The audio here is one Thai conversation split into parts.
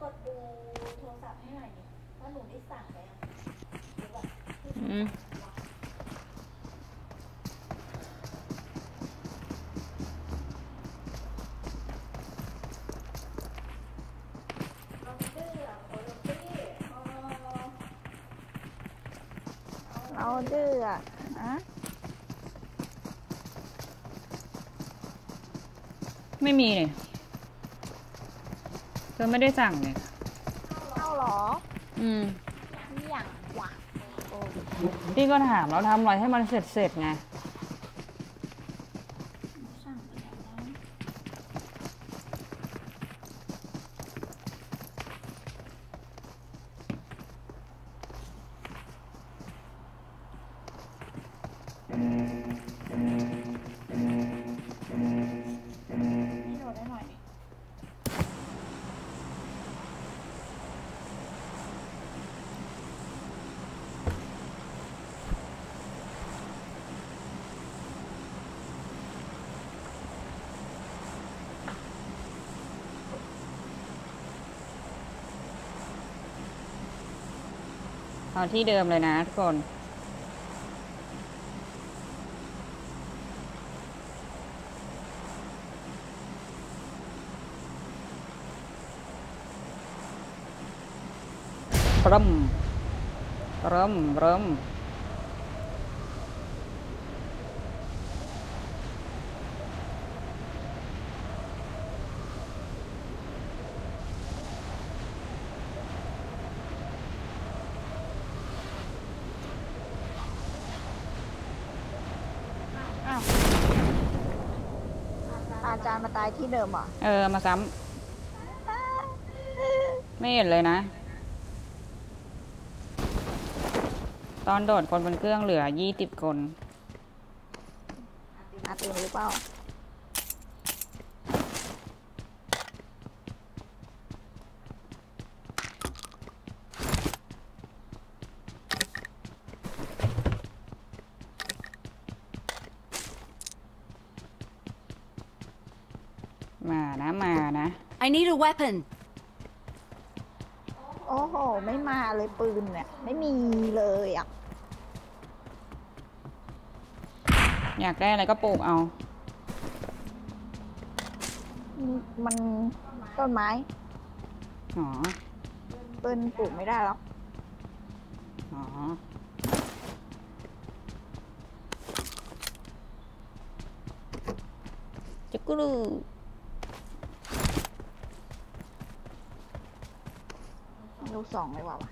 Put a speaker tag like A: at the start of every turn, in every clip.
A: กดดูโทรศัพท์ให้หน่อยดิว่าหนูได้สั่งไปยังหรือแบบ
B: เราดื้ออะ
C: ไม่มีเลยเธอไม่ได้สั่งเลย
B: เอาหรออย่างหวาน
C: พี่ก็ถามเราทำอะไรให้มันเสร็จไงเอาที่เดิมเลยนะทุกคนเริ่ม
B: อาจารย์มาตายที่เดิมเหรอ
C: มาซ้ำไม่เห็นเลยนะตอนโดดคนบนเครื่องเหลือ20 คน
B: ตื่นหรือเปล่า
C: มานะ
D: I need a weapon
B: โอ้โหไม่มาเลยปืนเนี่ยไม่มีเลยอ่ะ
C: อยากได้อะไรก็ปลูกเอา
B: มันต้นไม้
C: อ๋อ
B: ปืนปลูกไม่ได้หรอก
C: อ๋อจักรู
B: ลูกสองเลยว่ะ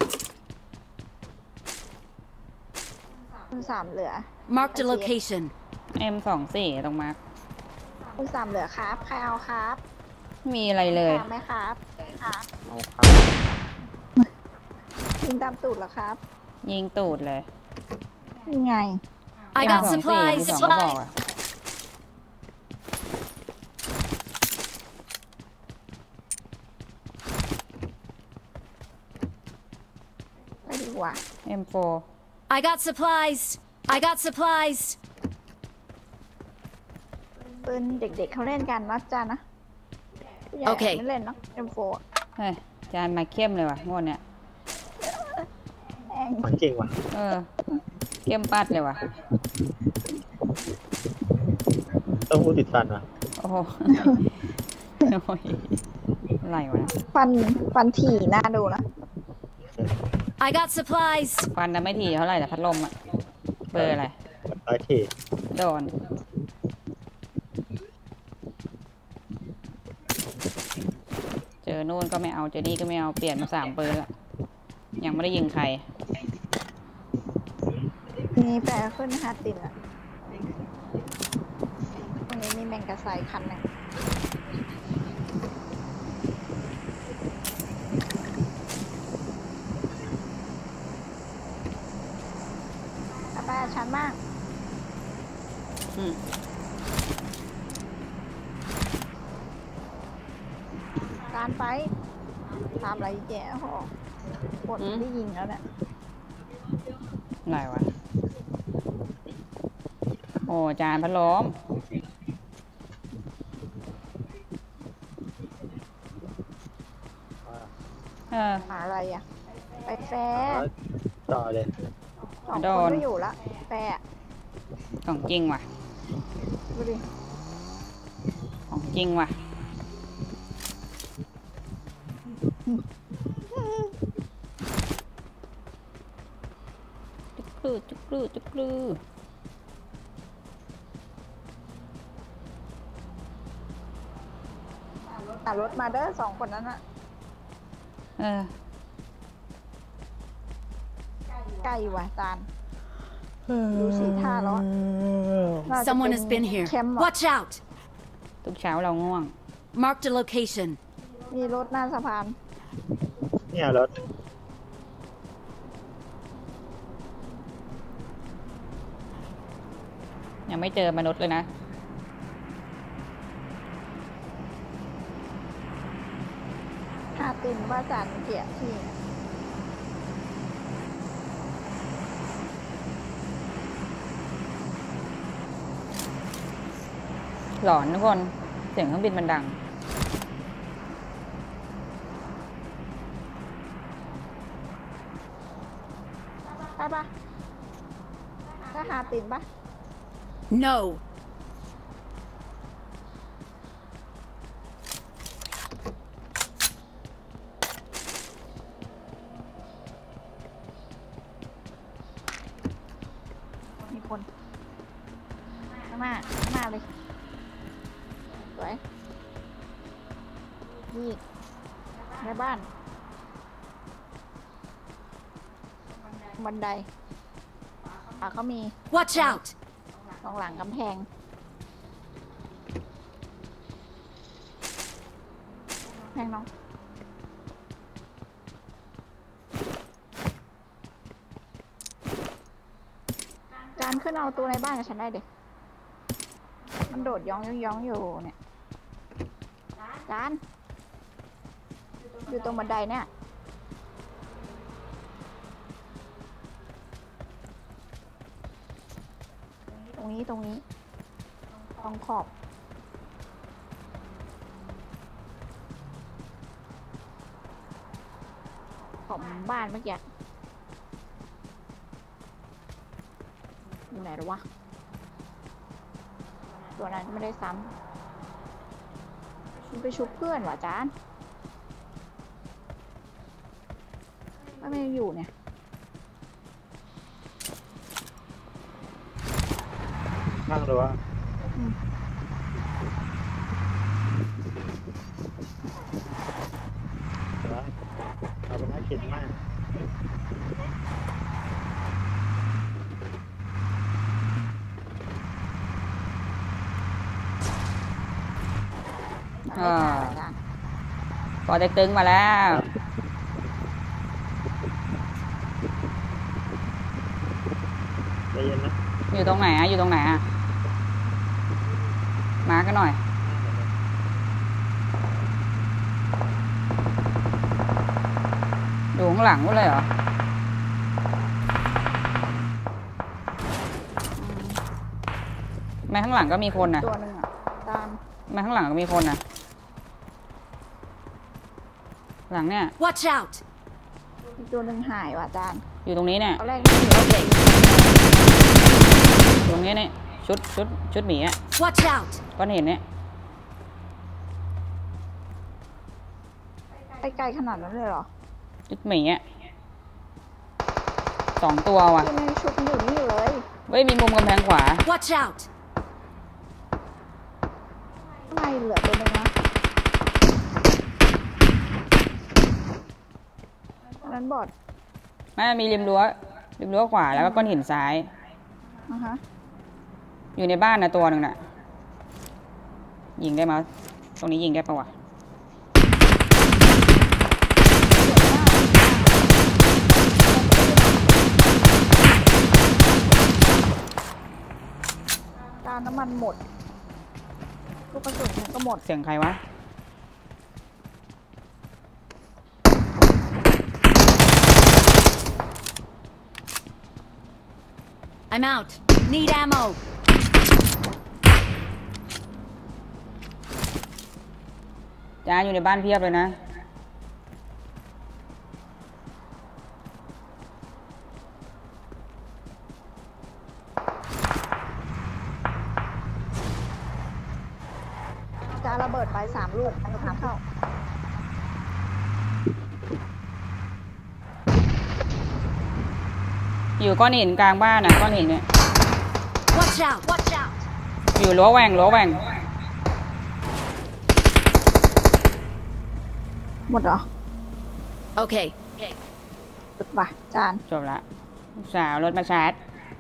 B: คุณ3เหลือ
D: Mark the location
C: M24ตรงมาร์ค
B: คุณ3เหลือครับใครเอาครับ
C: มีอะไรเลย
B: ไหมครับเอาครับยิงตามตูดเหรอครับ
C: ยิงตูดเลย
B: ยังไง
D: I got supplies
B: ไปดีกว่า
C: M4
D: I got supplies
B: ปืนเด็กๆเขาเล่นกันนะจ๊ะนะโอเคไม่เล่นเนาะ M4
C: เฮ้ยจานมาเข้มเลยว่ะงวดเนี้ย
E: มันจริงว่ะ
C: เข้มปัดเลยว่ะ
E: ต้องพูดติดฟันว่ะ
C: โอ้โหอะไรวะ
B: ฟันถี่น่าดูนะ
D: I got supplies
C: ฟันนะไม่ถี่เท่าไหร่แต่พัดลมอะเบอร์อะไร
E: ถี่
C: โดนเจอนู่นก็ไม่เอาเจอนี่ก็ไม่เอาเปลี่ยนมา3 เบอร์แล้วยังไม่ได้ยิงใคร
B: มีแปลขึ้น5 ติดอ่ะตรงนี้มีแมงกะไซคันนึงไปชั้นมากการไปทำอะไรแย่หอกดได้ยิงแล้วเนี่ย
C: อะไรวะโอ้จานพัดลม
B: หาอะไรอ่ะ ไปแฟร์
E: ต่อเลย
B: สอง
C: โด
B: คน
C: น
B: ก็อยู่ละแฟร์อะ
C: ของจริงว่ะ
B: ดูดิ
C: ของจริงว่ะจุกกรูจุกกรูจุกกรู
B: รถมาเด้อสองคนนั้นอะ ใกล้ว่ะจานดูสีท่าแล้วอะน่าจะ
D: Someone
B: เป็
D: has
B: น
D: been here.
B: แคมป์อะ
D: Watch out!
C: ทุกเช้าเราง่วง
D: Marked a location.
B: มีรถหน้าสะพาน
E: เนี่ยรถ
C: ยังไม่เจอมนุษย์เลยนะ
B: หาตินว่าจานเกียที่
C: หลอนทุกคน เสียงเครื่องบินมันดัง
B: ได้ปะถ้าหาตินปะ
D: No.
B: มีคนข้างหน้าข้างหน้าเลย สวยนี่ในบ้าน บันไดเขามี
D: Watch out!
B: ตรงหลังกำแพง แพงน้อง จานขึ้นเอาตัวในบ้านกับฉันได้เด็กมันโดดย้องอยู่เนี่ย จาน อยู่ตรงบันไดเนี่ย ตรงนี้ตรงขอบบ้านเมื่อกี้อยู่ไหนหรอวะ ตัวนั้นไม่ได้ซ้ำมันไปชุบเพื่อนว่ะจานไม่อยู่เนี่ย
E: นั่งหรือว่าเอาไปน่าเข็นมาก
C: อ่า ปอเต็กตึงมาแล้ว
E: ใจเย็นนะ
C: อยู่ตรงไหนอะอยู่ตรงไหนอะมากันหน่อย อยู่ข้างหลังกูเลยเหรอ แม้ข้างหลังก็มีคนนะ
B: ตัวหนึ่งอ่ะ ตาม
C: แม้ข้างหลังก็มีคนนะหลังเนี่ย
D: Watch out!
B: อีกตัวหนึ่งหายว่ะจาน
C: อยู่ตรงนี้เนี่ย
B: ตอนแรกนี่อยู่
D: Okay.
C: ตรงนี้เนี่ยชุดหมีอะ
D: Watch out!
C: ก้อนเห็นเนี่ย
B: ไปไกลขนาดนั้นเลยเหรอ
C: ชุดหมีอะ2 ตัวว่ะ
B: ที่ไม่ชุบอยู่นี่อยู่เลย
C: เว้ยมีมุมกำแพงขวา
D: Watch out!
B: ข้างในเหลือตัวหนึ่งนะอันนั้นบอด
C: ไม่มีริมรั้วขวาแล้วก็ก้อนหินซ้าย
B: ฮะ
C: อยู่ในบ้านนะตัวหนึ่งน่ะ ยิงได้มั้ยตรงนี้ยิงได้ปะวะ
B: จานน้ำมันหมดลูกกระสุนฉันก็หมด
C: เสียงใครวะ
D: I'm out. Need ammo.
C: จ้าอยู่ในบ้านเพียบเลยนะอยู่ก้อนหินกลางบ้านอ่ะก้อนหินเนี่ย
D: Watch out! Watch out!
C: อยู่รั้วแหว่งรั้วแหว่ง
B: หมดเหรอ
D: Okay.
B: สุดว่ะจาน
C: จบละสาวรถมาชาร์จ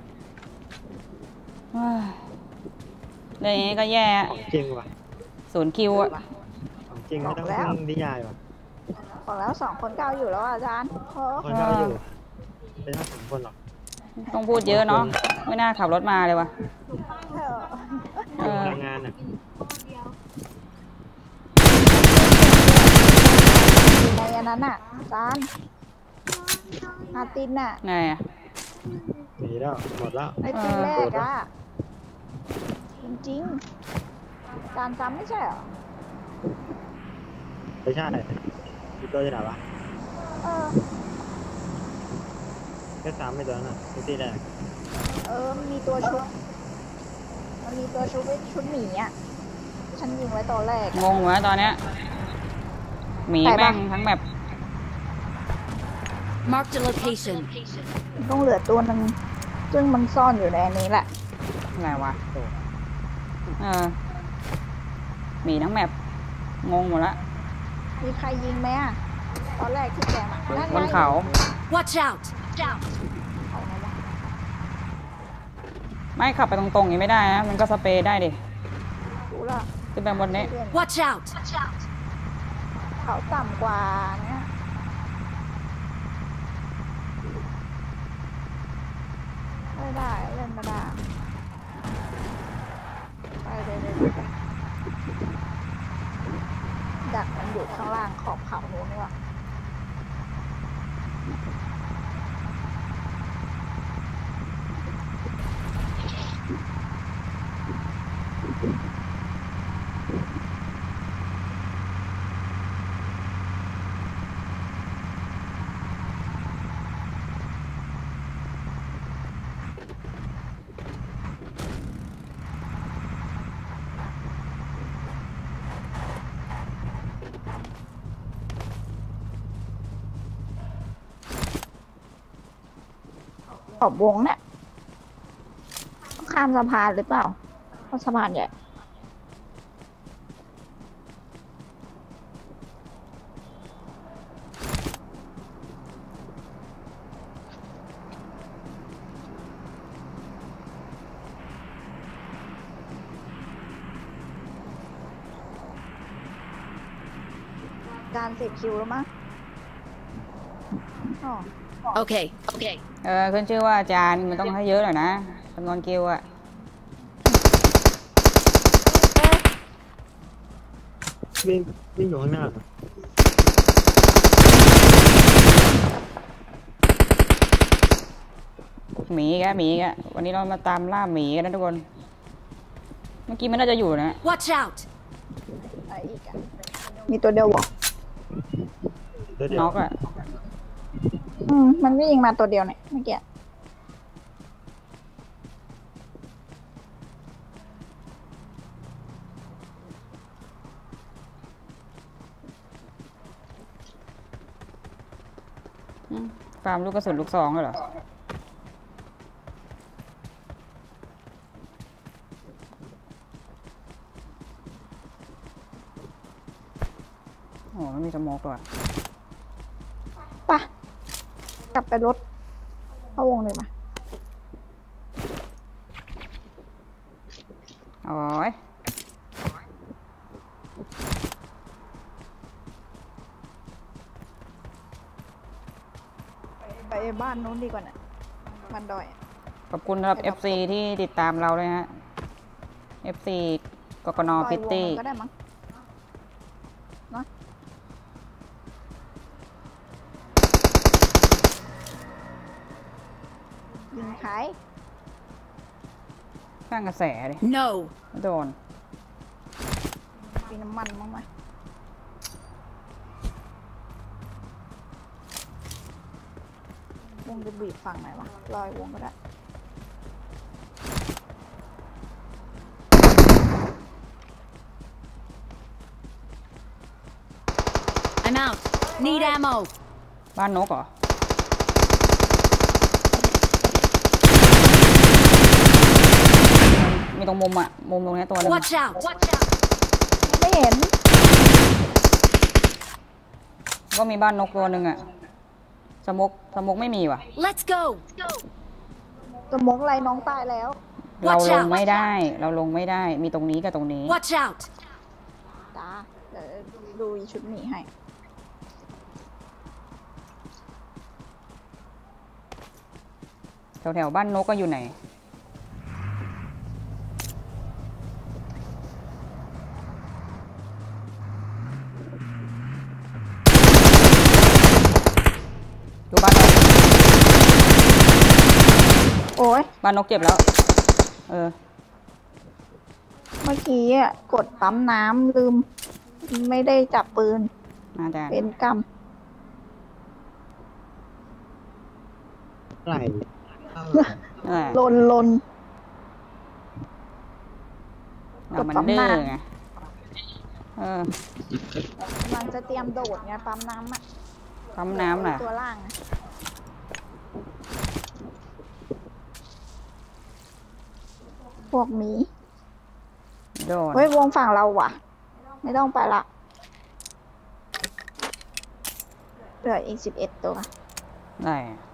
C: เฮ้ยเรื่องนี้ก็แย่
E: ของจริงว่ะ
C: 0 คิวอะ
E: ของจริงไม่ต้องพึ่งนิยายว่ะ
B: บอกแล้ว2 คนก็เอาอยู่แล้วอ่ะจานโอ้
E: คนเราอยู่เป็นทั้ง2 คนหรอก
C: ต้องพูดเยอะเนาะไม่น่าขับรถมาเลยว่ะ
B: เออ
C: เออ
E: พลังงานอ่ะ
B: อยู่ในอันนั้นอ่ะจานอาตินอ่ะ
C: ไงอะ
E: หนีแล้วหมดแล้ว
B: ไอตีแรกอ่ะจริงๆจานจำไม่ใช่เหรอ
E: ไม่ใช่อีตัวจะไหนวะ
B: เออ
E: แค่3ไม่ตัวน่ะที่แรก
B: มันมีตัวชุดมันมีตัวชุดไว้ชุดหมีอ่ะฉันยิงไว้ตอนแรก
C: งงวะตอนเนี้ยหมี
B: ใคร
C: แม่
B: บ้าง
C: งทั้งแบบ
D: Marked a location.
B: ต้องเหลือตัวหนึงซึ่งมันซ่อนอยู่ในอันนี้แหละ
C: อะไรวะเออหมีทั้งแบบงงหมดละ
B: มีใครยิงไหมอ่ะตอนแรกที่แกมานั่น
C: บ
B: ไง
C: นเขา
D: Watch out!
B: เอาไงวะ
C: ไม่ขับไปตรงๆอย่างนี้ไม่ได้นะมันก็สเปรย์ได้ดิ
B: รู้ละ
C: ขึ้นไปบนนี้
B: เพื่อน
D: Watch out!
B: เขาต่ำกว่าเนี้ยไม่ได้เล่นไม่ได้ไปเลยดักมันอยู่ข้างล่างขอบเขาโน้นนี่ว่ะขอบวงเนี่ยต้องข้ามสะพานหรือเปล่าเพราะสะพานใหญ่การ10 คิวแล้วมั้งอ๋อ
D: Okay. Okay.
C: ขึ้นชื่อว่าอาจารย์มันต้องให้เยอะหน่อยนะจำนวนคิวอะ
E: วิ่งอยู่ข้างหน้า
C: หมีแกหมีแกวันนี้เรามาตามล่าหมีกันนะทุกคน เมื่อกี้มันน่าจะอยู่นะ
D: Watch out!
B: อะไรอีกอะมีตัวเดียวเหรอ
E: ตัวเดียว
C: น็อกอะ
B: มันวิ่งมาตัวเดียวเนี่ยเมื่อกี้
C: ฟาร์มลูกกระสุนลูกซองเลยเหรอโอ้ไม่มีสโมกเลย
B: ป่ะกลับไปรถเข้าวงเลยมา
C: โอ้ย
B: ไปบ้านนู้นดีกว่าน่ะบ้านดอยอะ
C: ขอบคุณสำหรับ FC ที่ติดตามเราเลยฮะ FC กกนพิตตี้
B: ก็ได้มั้งเนาะยิงขาย
C: สร้างกระแสเลย
D: No.
C: โดน
B: มีน้ำมันมั้งไหมวงจะบีบฝั่งไหนวะลอยวงก็ได้
D: I'm out. Need ammo.
C: บ้านนกเหรอมีตรงมุมอ่ะ มุมตรงนี้ตัวนึง
D: Watch out!
B: ไม่เห็น
C: ก็มีบ้านนกตัวหนึ่งอ่ะสมกไม่มีว่ะ
D: Let's go!
B: สมองอะไรน้องตายแล้ว
C: เรา
D: Watch
C: ล
D: out
C: งไม่ได้ เราลงไม่ได้ มีตรงนี้กับตรงนี้
D: Watch out!
B: จ้าเดี๋ยวดูอีชุดหมีให้
C: แถวบ้านนกก็อยู่ไหน ดูบ้านนก
B: โอ้ย
C: บ้านนกเจ็บแล้ว เออ
B: เมื่อกี้อ่ะกดปั๊มน้ำลืม ไม่ได้จับปืน
C: น่าจะ
B: เป็นกรรม
E: ไหล
C: เออ
B: ลน
C: เรามันดื้อไง เออก
B: ำลังจะเตรียมโดดไงปั๊มน้ำอ่ะ
C: ปั๊มน้ำน่ะ
B: ตัวล่างอะพวกหมี
C: โดน
B: เฮ้ยวงฝั่งเราว่ะ ไม่ต้องไปละเหลืออีก11 ตัว
C: ได้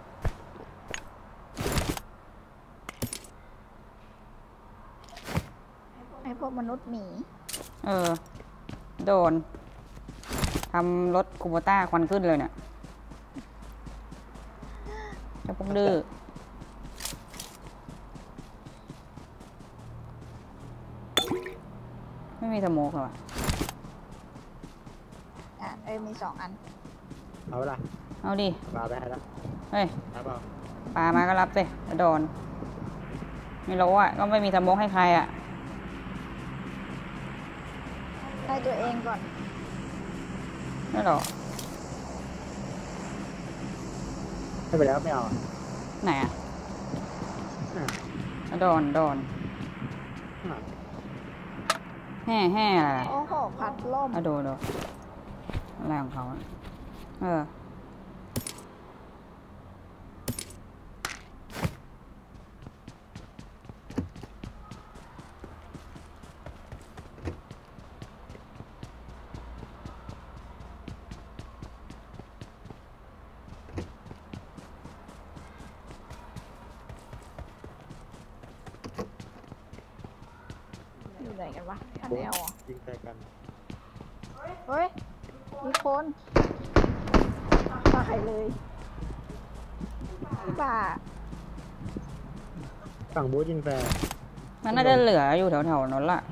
B: ให้พวกมนุษย์หมี
C: เออ โดน ทำรถคูโบต้าควันขึ้นเลยเนี่ยเจ้าพวกดื้อ ไม่มีสโมกเหรอวะ
B: อ่ะมี2 อัน
E: เอาละ
C: เอาดิ
E: ปลาไปให้แล้ว
C: เฮ้ย
E: เอาเปล่า
C: ปลามาก็รับสิโดน ไม่รู้อ่ะ ก็ไม่มีสโมกให้ใครอ่ะ
B: ให้ตัวเองก่อน
C: ไม่หรอก
E: ให้ไปแล้วไม่เอา
C: ไหนอ่ะ
E: อ่ะ
C: โดน
E: อ่ะ
C: แห่อะไร
B: โอ้โห พัดล่ม
C: อะโดนอะไรของเขาอะเออ
B: อยู่ไหนกันวะอันแนวอ่ะ
E: ยิงใส่กัน
B: เฮ้ย มีคนตายเลยบ้า
E: ฝั่งบูธยิงแฟร์
C: มันน่าจะเหลืออยู่แถวๆนั้นล่ะ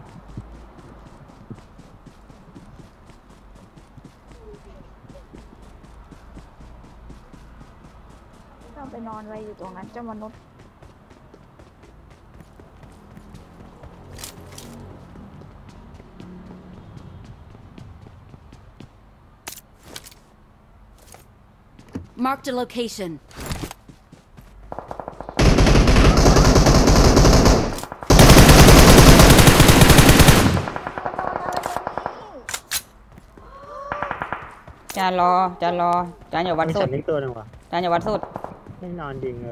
B: ต้องไปนอนอะไรอยู่ตรงนั้นเจ้ามนุษย์
D: Marked a location.
C: จานรอ จานอย่าวัด
E: มี
C: สุ
E: ฉั
C: ด
E: นนิกตัวหนึ่งว่ะ
C: จานอย่าวัดสุด
E: ไม่นอนยิง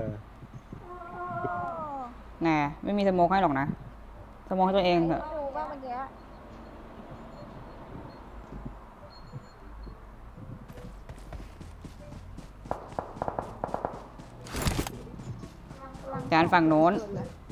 C: แน่ไม่มีสโมกให้หรอกนะ สโมกให้ตัวเองเถอะ
B: ดูว่าเมื่อกี้
C: จานฝั่งโน้น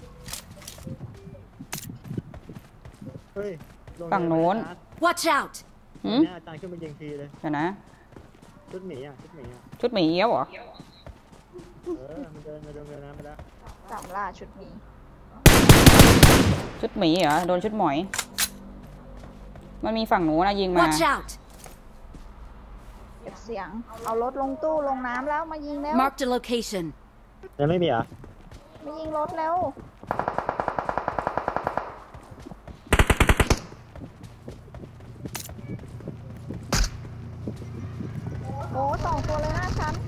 E: เฮ้ยล
C: ฝั่งโน้น
D: Watch out!
C: หืม
E: เนี่ยอาจารย์ขึ้นมายิงทีเลย
C: เดี๋ยวนะ
E: ชุดหมีอ่ะ ชุดหมีอ่ะ
C: ชุดหมีเอี้ยวเหรอ
E: มันเดินน้ำไปแล้ว
B: สามล่าชุดนี้
C: ชุดหมีเหรอ โดนชุดหมอย มันมีฝั่งหนูนะยิงมา
D: Watch out!
B: เก็บเสียง เอารถลงตู้ลงน้ำแล้วมายิงแล้ว
D: Marked a location.
E: ยังไม่มีเหรอ่ะ
B: มายิงรถแล้ว โอ้2 ตัวเลยหน้าฉัน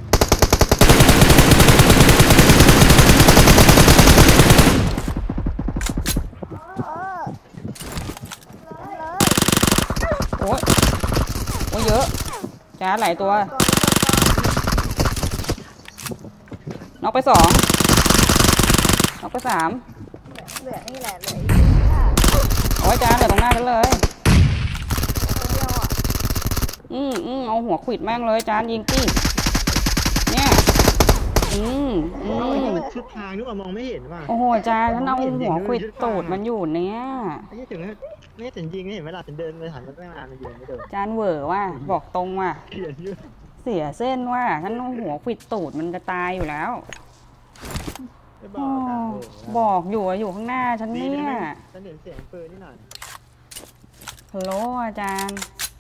B: เออเลย
C: โอ้ยโอ้ยเยอะจานหลายตัว น็อกไป 2 น็อกไป 3
B: เหลือนี่แหละเหลืออีก
C: โอ้ยจานเหลือตรงหน้าฉันเลย
B: ตัวเดียวอ่ะ
C: เอาหัวขวิดแม่งเลยจานยิงตี้เนี่ย
E: เอาไอ้นี่มันชุดทางนึกว่ามองไม่เห็นว่ะ
C: โอ้โหจานฉันเอาหัวขวิดตูดมันอยู่เนี่ย
E: ไอ้ที่ถึงไม่ถึงยิงไม่เห็นเวลาถึงเดินไปหันมันตั้งนานมันยิงไม่โดน
C: จานเหวอว่าบอกตรงว่า
E: เขียนอยู่
C: เสียเส้นว่าฉันเอาหัวขวิดตูดมันจะตายอยู่แล้ว
E: ไม่บอกกันโอ้โห
C: บอกอยู่อะอยู่ข้างหน้าฉัน
E: ดี
C: เนี่
E: นะ
C: ย
E: ฉันเห็นเสียงปืนนี่หน่อย
C: ฮัลโหลอาจารย์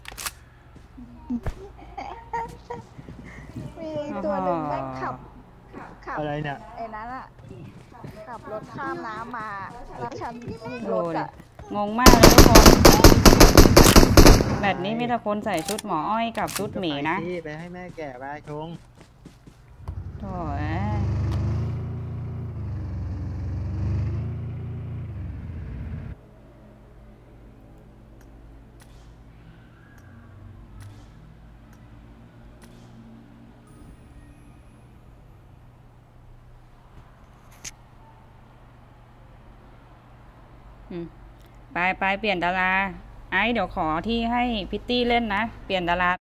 B: มีตัวหนึ่งแม่งขับ
E: อะไรเนี่ย
B: ไอ้นั้นอ่ะ ขับรถข้ามน้ำมาแล้วฉันยิงร
C: โอ้
B: ถ
C: ย
B: อ่ะ
C: งงมากเลยทุกคนแบบนี้มีแต่คนใส่ชุดหมออ้อยกับชุดหมีนะ
E: ก็ไปสิไปให้แม่แก่ไปชง
C: โถ่เอ้ยไปเปลี่ยนดารา ไอ้เดี๋ยวขอที่ให้พิตตี้เล่นนะ เปลี่ยนดารา